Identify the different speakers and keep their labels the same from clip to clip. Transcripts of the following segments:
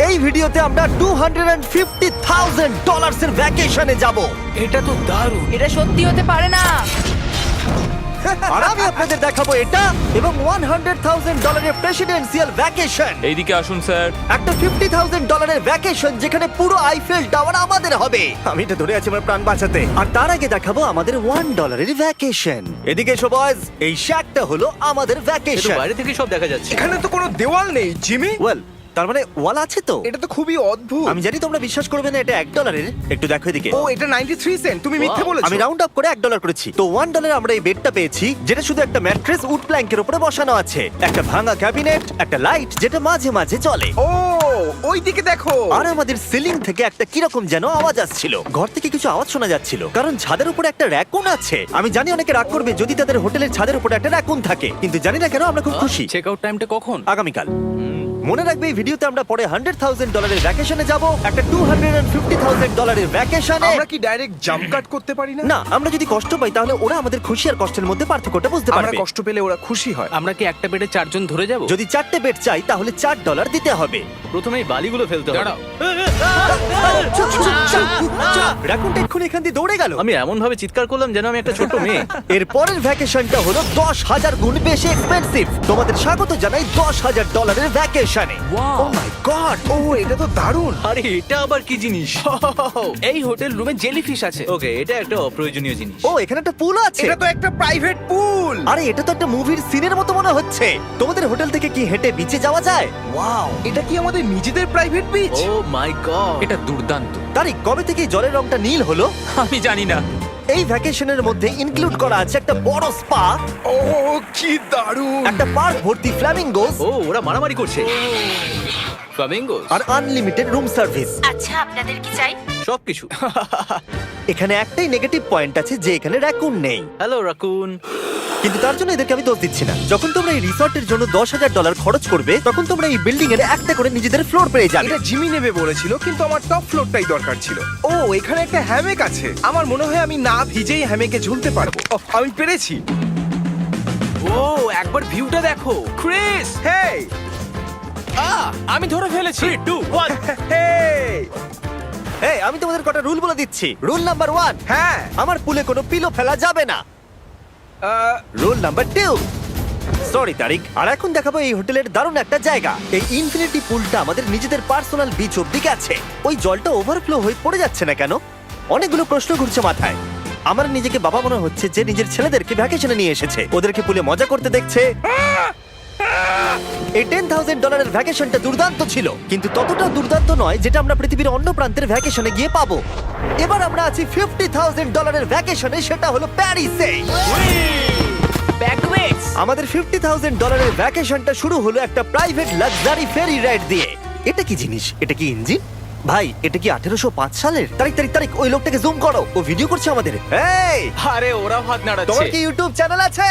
Speaker 1: এই ভিডিওতে আমরা $250,000 এর ভ্যাকেশনে যাব।
Speaker 2: এটা তো দারুণ।
Speaker 3: এটা সত্যি হতে পারে না।
Speaker 1: আর আমি আপনাদের দেখাবো এটা এবং $100,000 এর প্রেসিডেন্সিয়াল ভ্যাকেশন।
Speaker 2: এইদিকে আসুন স্যার।
Speaker 1: একটা $50,000 এর ভ্যাকেশন যেখানে পুরো আইফেল টাওয়ার আমাদের হবে। আমি এটা ধরে আছি আমার প্রাণ বাঁচাতে। আর তার আগে দেখাবো আমাদের $1 এর ভ্যাকেশন। এদিকে এসো বয়স, এই শ্যাকটা হলো আমাদের
Speaker 2: এটা
Speaker 1: ভ্যাকেশন।
Speaker 2: বাইরে থেকে সব দেখা যাচ্ছে।
Speaker 4: এখানে তো কোনো দেওয়াল নেই জিমি।
Speaker 1: ওয়েল, তার মানে ওয়াল আছে তো?
Speaker 4: এটা তো খুবই অদ্ভুত।
Speaker 1: আমি জানি তোমরা বিশ্বাস করবে না এটা $1। একটু দেখো এদিকে।
Speaker 4: ও এটা 93 সেন্ট। তুমি মিথ্যে বলেছো।
Speaker 1: আমি রাউন্ড আপ করে $1 করেছি। তো $1 আমরা এই বেডটা পেয়েছি, যেটা শুধু একটা ম্যাট্রেস উড প্ল্যাঙ্কের উপরে বসানো আছে, একটা ভাঙা ক্যাবিনেট, একটা লাইট যেটা মাঝে মাঝে চলে,
Speaker 4: ও ওই দিকে দেখো।
Speaker 1: আর আমাদের সিলিং থেকে একটা কিরকম যেন আওয়াজ আসছিল। ঘর থেকে কিছু আওয়াজ শোনা যাচ্ছিল, কারণ ছাদের উপরে একটা র‍্যাকুন আছে। আমি জানি অনেকে রাগ করবে যদি তাদের হোটেলের ছাদের উপরে একটা র‍্যাকুন থাকে, কিন্তু জানি না কেন আমরা খুব খুশি।
Speaker 2: চেক আউট টাইমটা কখন?
Speaker 1: আগামীকাল। মনে রাখবে এই ভিডিওতে আমরা পরে $100,000 এর ভ্যাকেশনে যাব, একটা $250,000 এর ভ্যাকেশনে।
Speaker 4: আমরা কি ডাইরেক্ট জাম্প কাট করতে পারি না?
Speaker 1: না, আমরা যদি কষ্ট পাই তাহলে ওরা আমাদের খুশি আর কষ্টের মধ্যে পার্থক্যটা বুঝতে
Speaker 4: আমরা
Speaker 1: পারবে।
Speaker 4: কষ্ট পেলে ওরা খুশি হয়।
Speaker 2: আমরা কি একটা বেডে চারজন ধরে যাব?
Speaker 1: যদি 4টে বেড চাই তাহলে $4 দিতে হবে।
Speaker 2: প্রথমেই বালিগুলো ফেলতে হবে।
Speaker 1: রাকুনটা এক্ষুনি এখান দিয়ে দৌড়ে গেল।
Speaker 2: আমি এমন ভাবে চিৎকার করলাম যেন আমি একটা ছোট মেয়ে।
Speaker 1: এর পরের ভ্যাকেশনটা হলো 10,000 গুণ বেশি এক্সপেন্সিভ। তোমাদের স্বাগত জানাই $10,000 এর ভ্যাকেশনে। ও মাই গড,
Speaker 4: ও এটা তো দারুণ।
Speaker 2: আরে এটা আবার কি জিনিস?
Speaker 5: এই হোটেল রুমে জেলিফিশ আছে।
Speaker 2: ওকে, এটা একটা অপ্রয়োজনীয় জিনিস।
Speaker 1: ও এখানে একটা পুল আছে।
Speaker 4: এটা তো একটা প্রাইভেট পুল।
Speaker 1: আরে এটা তো একটা মুভির সিনের মতো মনে হচ্ছে। তোমাদের হোটেল থেকে কি হেঁটে বিচে যাওয়া যায়? ওয়াও।
Speaker 4: এটা কি আমাদের নিজেদের private beach?
Speaker 2: Oh my god,
Speaker 5: এটা দুর্দান্ত।
Speaker 1: তারিক, কবে থেকে এই জলের রংটা নীল হলো?
Speaker 5: আমি জানি না।
Speaker 1: এই ভ্যাকেশনের মধ্যে ইনক্লুড করা আছে একটা বড় স্পা,
Speaker 4: ও কি দারুণ।
Speaker 1: একটা পার্ক ভর্তি ফ্ল্যামিঙ্গোস,
Speaker 2: ও ওরা মারামারি করছে। ফ্লামিঙ্গোস
Speaker 1: আর আনলিমিটেড রুম সার্ভিস।
Speaker 3: আচ্ছা, আপনাদের কি চাই?
Speaker 2: সবকিছু।
Speaker 1: এখানে একটাই নেগেটিভ পয়েন্ট আছে যে এখানে র‍্যাকুন নেই,
Speaker 2: হ্যালো রাকুন।
Speaker 1: কিন্তু তার জন্য এদেরকে আমি দোষ দিচ্ছি না। যখন তোমরা এই রিসর্টের জন্য $10,000 খরচ করবে তখন তোমরা এই বিল্ডিং এর একটা করে নিজেদের ফ্লোর পেয়ে যাবে।
Speaker 4: এটা জিমি নেবে বলেছিল, কিন্তু আমার টপ ফ্লোরটাই দরকার ছিল। ও এখানে একটা হ্যামেক আছে। আমার মনে হয় আমি না ভিজেই হ্যামেকে ঝুলতে পারবো। ওহ, আমি পেরেছি।
Speaker 5: ও একবার ভিউটা দেখো ক্রিস।
Speaker 4: হেই
Speaker 5: আমি ধরে ফেলেছি।
Speaker 2: 3, 2, 1।
Speaker 4: হেই
Speaker 1: এই, আমি তোমাদের কটা রুল বলে দিচ্ছি। রুল নাম্বার 1,
Speaker 4: হ্যাঁ
Speaker 1: আমার পুলে কোনো পিলো ফেলা যাবে না। Rule number 2, sorry Tariq. আর এখন দেখাবো এই হোটেলের দারুণ একটা জায়গা। এই ইনফিনিটি পুলটা আমাদের নিজেদের পার্সোনাল বিচ অব্দি আছে। ওই জলটা ওভারফ্লো হয়ে পড়ে যাচ্ছে না কেন? অনেকগুলো প্রশ্ন ঘুরছে মাথায়। আমার নিজেকে বাবা মনে হচ্ছে যে নিজের ছেলেদেরকে ভ্যাকেশনে নিয়ে এসেছে, ওদেরকে পুলে মজা করতে দেখছে। এই $10,000 এর ভ্যাকেশনটা দুর্দান্ত ছিল, কিন্তু ততটা দুর্দান্ত নয় যেটা আমরা পৃথিবীর অন্য প্রান্তের ভ্যাকেশনে গিয়ে পাবো। এবার আমরা আছি $50,000 এর ভ্যাকেশনে, সেটা হলো প্যারিসে।
Speaker 3: ব্যাকওয়েটস।
Speaker 1: আমাদের $50,000 এর ভ্যাকেশনটা শুরু হলো একটা প্রাইভেট লাক্সারি ফেরি রাইড দিয়ে। এটা কি জিনিস? এটা কি ইঞ্জিন? ভাই, এটা কি 1805 সালের? তারিক ওই লোকটাকে জুম করো, ও ভিডিও করছে আমাদের। এই,
Speaker 5: আরে ওরা হাত
Speaker 1: তোমার
Speaker 5: নাড়াচ্ছে।
Speaker 1: কি ইউটিউব চ্যানেল আছে?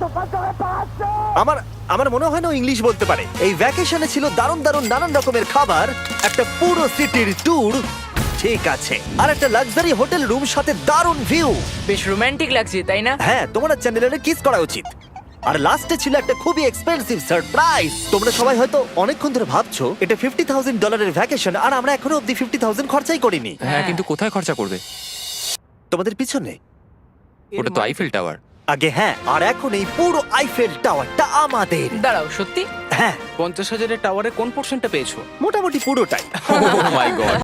Speaker 1: আমার মনে হয় না ও ইংলিশ বলতে পারে। এই ভ্যাকেশনে ছিল দারুণ দারুণ নানান রকমের খাবার, একটা পুরো সিটির ট্যুর, ঠিক আছে, আর একটা লাক্সারি হোটেল রুম সাথে দারুণ ভিউ।
Speaker 3: বেশ রোমান্টিক লাগছে, তাই না?
Speaker 1: হ্যাঁ, তোমার চ্যানেলের কিস করা উচিত। আর লাস্টে ছিল একটা খুবই এক্সপেন্সিভ সারপ্রাইজ। তোমরা সবাই হয়তো অনেকক্ষণ ধরে ভাবছো এটা $50,000 এর ভ্যাকেশন, আর আমরা এখনো অব্দি 50,000 খরচাই করিনি।
Speaker 5: হ্যাঁ, কিন্তু কোথায় খরচা করবে?
Speaker 1: তোমাদের পিছনে।
Speaker 5: ওটা তো আইফেল টাওয়ার।
Speaker 1: আগে হ্যাঁ, আর এখন এই পুরো আইফেল টাওয়ারটা আমাদের।
Speaker 3: দাঁড়াও, সত্যি?
Speaker 1: হ্যাঁ,
Speaker 5: 50,000 এর টাওয়ারে কোন পোর্শনটা পেয়েছো?
Speaker 1: মোটামুটি পুরোটাই।
Speaker 5: Oh my god.